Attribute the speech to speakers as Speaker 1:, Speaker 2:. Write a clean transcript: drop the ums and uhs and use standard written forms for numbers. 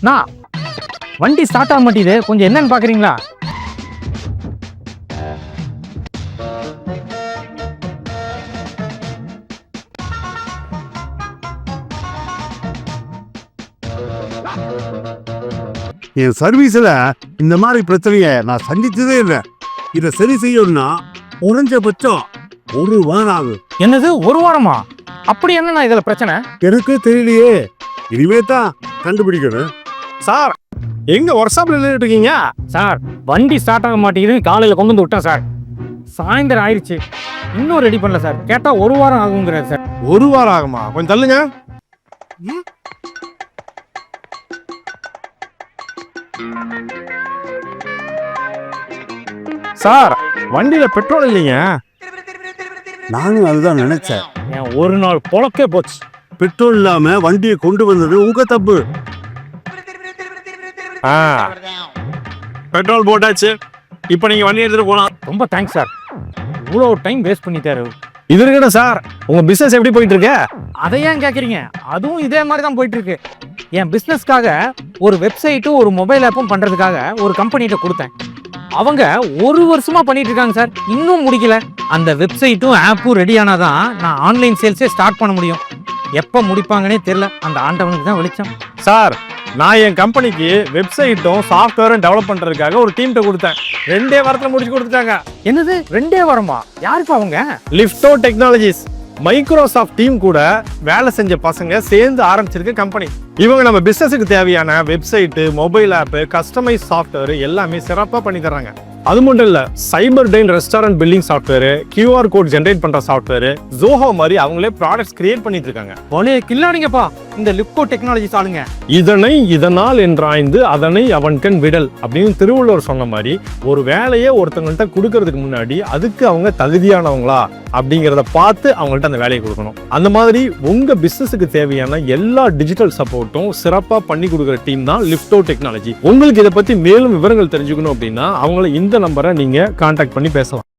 Speaker 1: நான் வண்டி ஸ்டார்ட் ஆக மாட்டேது, கொஞ்சம் என்னன்னு பாக்குறீங்களா?
Speaker 2: என் சர்வீஸ்ல இந்த மாதிரி பிரச்சனைய நான் சந்திச்சதே இல்லை. இதை சரி செய்யணும்னா குறைஞ்சபட்சம் 1 வாரம் ஆகும்.
Speaker 1: என்னது 1 வாரமா? அப்படி என்ன இதுல பிரச்சனை?
Speaker 2: எனக்கு தெரியலையே, இனிமே தான் கண்டுபிடிக்கணும்.
Speaker 3: சார் எங்க ஒர்க் ஷாப்ல நின்றுட்டு இருக்கீங்க?
Speaker 1: சார் வண்டி ஸ்டார்ட் ஆக மாட்டேங்குதுன்னு காலையில கொண்டு வந்து விட்டேன் சார். சாயந்தரம் ஆயிடுச்சு, இன்னும் ரெடி பண்ணல சார். கேட்டா 1 வாரம் ஆகுங்கிறார் சார்.
Speaker 3: 1 வாரம் ஆகுமா? கொஞ்சம் தள்ளுங்க. சார் வண்டியில பெட்ரோல் இல்லைங்க.
Speaker 2: நானும் அதுதான் நினைச்சேன்.
Speaker 1: என் ஒரு நாள் பொழக்கே போச்சு.
Speaker 2: பெட்ரோல் இல்லாம வண்டியை கொண்டு வந்தது உங்க தப்பு.
Speaker 3: பெட்ரோல் போட்டாச்சு, இப்போ நீங்க வண்டி எடுத்துட்டு போலாம்.
Speaker 1: ரொம்ப தேங்க்ஸ் சார், இவ்வளோ டைம் வேஸ்ட் பண்ணிட்டாரு.
Speaker 3: இது இருக்கட சார், உங்க பிசினஸ் எப்படி போயிட்டு இருக்கு?
Speaker 1: அதை ஏன் கேட்குறீங்க? அதுவும் இதே மாதிரி தான் போயிட்டு இருக்கு. என் பிஸ்னஸ்க்காக ஒரு வெப்சைட்டும் ஒரு மொபைல் ஆப்பும் பண்ணுறதுக்காக ஒரு கம்பெனிகிட்ட கொடுத்தேன். அவங்க 1 வருஷமா பண்ணிட்டு இருக்காங்க சார், இன்னும் முடிக்கல. அந்த வெப்சைட்டும் ஆப்பும் ரெடி ஆனாதான் நான் ஆன்லைன் சேல்ஸே ஸ்டார்ட் பண்ண முடியும். எப்போ முடிப்பாங்கன்னே தெரியல, அந்த ஆண்டவனுக்கு தான் வெளிச்சம்.
Speaker 3: சார் நான் என் கம்பெனிக்கு வெப்சைட்டும் சாஃப்ட்வேரும் டெவலப் பண்றதுக்காக ஒரு டீம்கிட்ட கொடுத்தேன். 2 வாரத்தில் முடிச்சு கொடுத்துட்டாங்க.
Speaker 1: என்னது 2 வாரமா? யாருப்பா அவங்க?
Speaker 3: லிஃப்டோ டெக்னாலஜிஸ், மைக்ரோசாஃப்ட் டீம் கூட வேலை செஞ்ச பசங்க சேர்ந்து ஆரம்பிச்சிருக்க கம்பெனி. இவங்க நம்ம பிசினஸுக்கு தேவையான website, mobile app, customise software எல்லாமே சிறப்பாக பண்ணி தர்றாங்க. அது மட்டும் இல்ல, cyber dine restaurant billing software, QR code generate பண்ற சாஃப்ட்வேர், ஜோஹோ மாதிரி அவங்களே ப்ராடக்ட்ஸ் கிரியேட் பண்ணிட்டு இருக்காங்க.
Speaker 1: ஒலே கில்லாடிங்கப்பா இந்த லிப்கோ டெக்னாலஜிஸ் ஆளுங்க.
Speaker 3: இதனை இதனால் என்றாய்ந்து அதனை அவன்கண் விடல் அப்படின்னு திருவள்ளுவர் சொன்ன மாதிரி, ஒரு வேலையை ஒருத்தவங்கள்ட்ட கொடுக்கறதுக்கு முன்னாடி அதுக்கு அவங்க தகுதியானவங்களா அப்படிங்கிறத பார்த்து அவங்கள்ட்ட அந்த வேலையை கொடுக்கணும். அந்த மாதிரி உங்க பிசினஸுக்கு தேவையான எல்லா டிஜிட்டல் சப்போர்ட்டும் சிறப்பா பண்ணி கொடுக்குற டீம் தான் லிஃப்டோ டெக்னாலஜி. உங்களுக்கு இதை பத்தி மேலும் விவரங்கள் தெரிஞ்சுக்கணும் அப்படின்னா அவங்கள இந்த நம்பரை நீங்க கான்டாக்ட் பண்ணி பேசலாம்.